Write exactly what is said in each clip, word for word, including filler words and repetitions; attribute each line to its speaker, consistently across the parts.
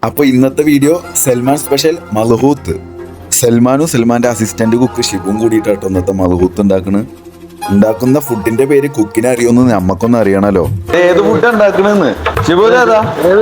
Speaker 1: അപ്പോൾ ഇന്നത്തെ video Salman special മൽഹൂത്ത്. സൽമാനും സൽമാന്റെ അസിസ്റ്റന്റ് കുക്ക് ഷിബും കൂടിയിട്ടാട്ടോ ഇന്നത്തെ മൽഹൂത്ത് ഉണ്ടാക്കണ്. ഉണ്ടാക്കുന്ന ഫുഡിന്റെ പേര് കുക്കിനെ അറിയുമെന്ന് നമ്മക്കൊന്നും അറിയണല്ലോ. ഏത് ഫുഡ് ഉണ്ടാക്കണെന്ന് ഷിബു ഏതാ?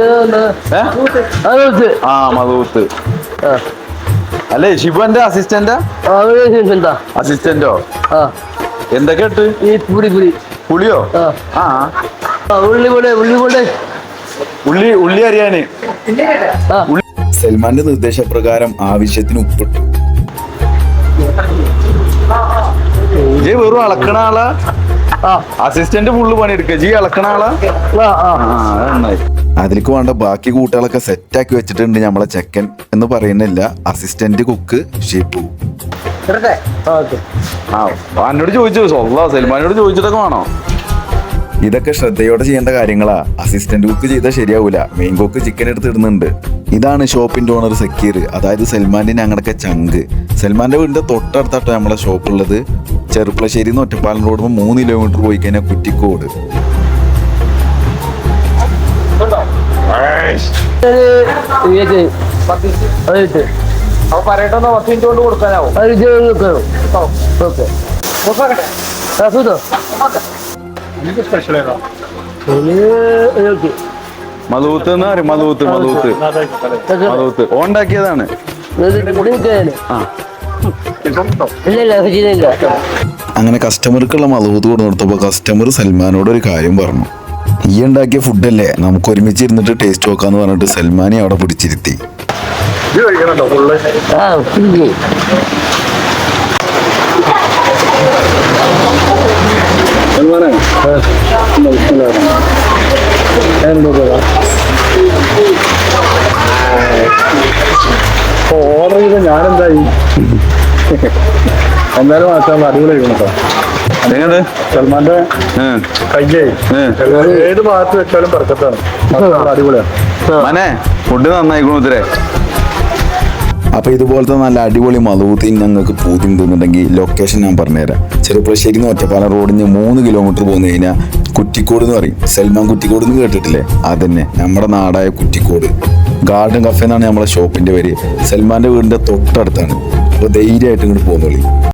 Speaker 1: ആ മൽഹൂത്ത് അല്ലേ? ഷിബു എന്റെ അസിസ്റ്റന്റാ? അസിസ്റ്റന്റോ? എന്തൊക്കെ ഇട്ട്? പുളിയോ? ആ
Speaker 2: ഉള്ളി ഉള്ളി
Speaker 1: ഉള്ളി ഉള്ളി അറിയാന്. സൽമാന്റെ നിർദ്ദേശപ്രകാരം ആവശ്യത്തിന് ഉപ്പിട്ടു. ജി വെറും അളക്കണ ആളാ? അസിസ്റ്റന്റ് ഫുള്ള് പണിയെടുക്ക. ജി അളക്കണ ആളാ? നന്നായി. അതിലേക്ക് വേണ്ട ബാക്കി കൂട്ടുകളൊക്കെ സെറ്റാക്കി വെച്ചിട്ടുണ്ട് നമ്മളെ ചെക്കൻ എന്ന് പറയുന്നില്ല, അസിസ്റ്റന്റ് കുക്ക് ഷിബു. ആ എന്നോട് ചോദിച്ചു സൊല്ലാ സൽമാനോട് ചോദിച്ചിട്ടൊക്കെ വേണോ? ഇതൊക്കെ ശ്രദ്ധയോടെ ചെയ്യേണ്ട കാര്യങ്ങളാ. അസിസ്റ്റന്റ് കുക്ക് ചെയ്താൽ ശരിയാവൂല. മെയിൻ കുക്ക് ചിക്കൻ എടുത്ത് ഇടുന്നുണ്ട്. ഇതാണ് ഷോപ്പിന്റെ ഓണർ സക്കീർ, അതായത് സൽമാന്റെ ഞങ്ങളുടെ ചങ്ക്. സൽമാന്റെ വീടിന്റെ തൊട്ടടുത്താട്ടോ നമ്മളെ ഷോപ്പ് ഉള്ളത്. ചെറുപ്പളശ്ശേരി നിന്ന് ഒറ്റപ്പാലം റോഡ് മൂന്ന് കിലോമീറ്റർ പോയി കഴിഞ്ഞാൽ കുറ്റിക്കോട്. മലൂത്ത് എന്ന് പറയും. മലൂത്ത് മലൂത്ത് മലൂത്ത് ഓണ്ടാക്കിയതാണ്. അങ്ങനെ കസ്റ്റമർക്കുള്ള മലൂത്ത് കൊടുത്തു കൊടുത്തപ്പോ കസ്റ്റമർ സൽമാനോട് ഒരു കാര്യം പറഞ്ഞു. ഈ ഉണ്ടാക്കിയ ഫുഡല്ലേ, നമുക്ക് ഒരുമിച്ച് ഇരുന്നിട്ട് ടേസ്റ്റ് നോക്കാന്ന് പറഞ്ഞിട്ട് സൽമാനെ അവിടെ പിടിച്ചിരുത്തി.
Speaker 3: ഓർഡർ ചെയ്ത ഞാനെന്തായി എന്തായാലും മാറ്റാൻ അടിപൊളിയായിരിക്കണം കേട്ടോ.
Speaker 1: അതെങ്ങനെ
Speaker 3: സൽമാന്റെ കയ്യേ ഏത് ഭാഗത്ത് വെച്ചാലും പെർഫെക്റ്റാണ്. അടിപൊളിയാണ്.
Speaker 1: ഫുഡ് നന്നായിക്കണു ഇത്രേ. അപ്പൊ ഇതുപോലത്തെ നല്ല അടിപൊളി മലൂത്ത് ഞങ്ങൾക്ക് പൂതി തോന്നുന്നുണ്ടെങ്കിൽ ലൊക്കേഷൻ ഞാൻ പറഞ്ഞുതരാം. ചെറുപ്പളശ്ശേരി നിന്ന് ഒറ്റപ്പാലം റോഡിന് മൂന്ന് കിലോമീറ്റർ പോന്നു കഴിഞ്ഞാൽ കുറ്റിക്കോട് എന്ന് പറയും. സൽമാൻ കുറ്റിക്കോട് എന്ന് കേട്ടിട്ടില്ലേ? അതന്നെ നമ്മുടെ നാടായ കുറ്റിക്കോട്. ഗാർഡൻ കഫേ എന്നാണ് നമ്മളെ ഷോപ്പിന്റെ പേര്. സൽമാന്റെ വീടിന്റെ തൊട്ടടുത്താണ്. അപ്പൊ ധൈര്യമായിട്ട് ഇങ്ങോട്ട് പോകുന്നോളി.